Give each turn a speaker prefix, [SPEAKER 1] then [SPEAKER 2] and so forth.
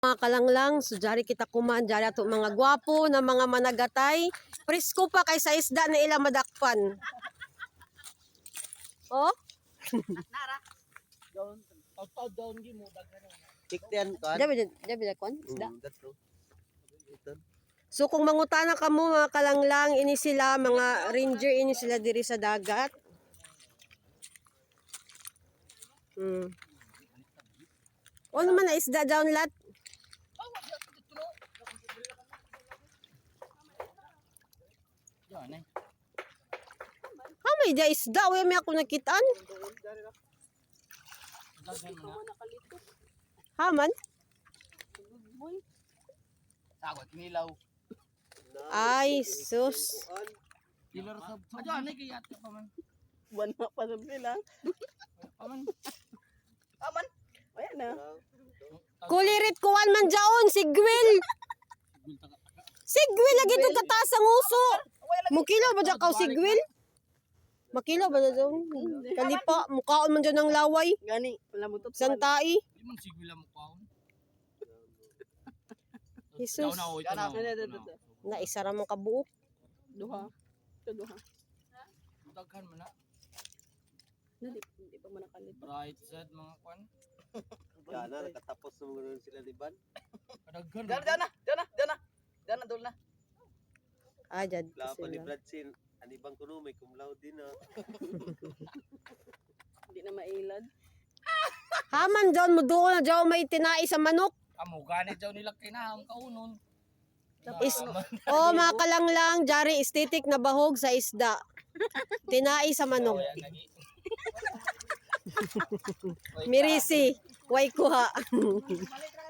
[SPEAKER 1] Mga kalanglang, so jari kita kumaan, jari ato mga gwapo na mga managatay. Presko pa kay sa isda na ilang madakpan. Oh?
[SPEAKER 2] Nara. Down gi mo daghan.
[SPEAKER 3] Tiktian kan.
[SPEAKER 1] Jabi kon isda.
[SPEAKER 3] Dato. Ito.
[SPEAKER 1] So kung mangutana ka mo mga kalanglang, ini sila mga ranger, ini sila diri sa dagat. O naman na isda down lat. May da isda, way may ako nakitaan. Haman?
[SPEAKER 2] Sagot nilaw.
[SPEAKER 1] Ay, sus.
[SPEAKER 2] Pilar sab. Ajo anay kay ate pa man.
[SPEAKER 4] Buwan na pa sab nila.
[SPEAKER 2] Paman.
[SPEAKER 4] Aman. Ayan na.
[SPEAKER 1] Kulirit kuwan man jaon, sigwil. Sigwil lagi ito kataas ang uso. Mukilo ba dyan ka sigwil? Makilo ba na dyan? Kalipa, mukhaon man dyan ng laway.
[SPEAKER 4] Gani, wala mo to.
[SPEAKER 1] Santai.
[SPEAKER 2] Di man sigwila mo kaon.
[SPEAKER 1] Jesus. Na isa ra man kabuok.
[SPEAKER 4] Duha. Ito duha.
[SPEAKER 2] Daghan man na.
[SPEAKER 4] Hindi pa man nakalit.
[SPEAKER 2] Bright side mga kwan.
[SPEAKER 3] Yan na, nakatapos na mga sila di ban.
[SPEAKER 2] Kadaghan.
[SPEAKER 4] Diyan na, dul na.
[SPEAKER 1] Ah, dyan
[SPEAKER 3] Lapan ni
[SPEAKER 1] sila.
[SPEAKER 3] Bradsin. Anibang kuno may kumlaw din na.
[SPEAKER 4] Hindi na mailad.
[SPEAKER 1] Haman dyan mo doon na dyan may tinai sa manok.
[SPEAKER 2] Amo ganit jaw nila kinahang kaunon.
[SPEAKER 1] Oh, mga kalanglang, jari estetik na bahog sa isda. Tinai sa manok. Mirisi, way kuha.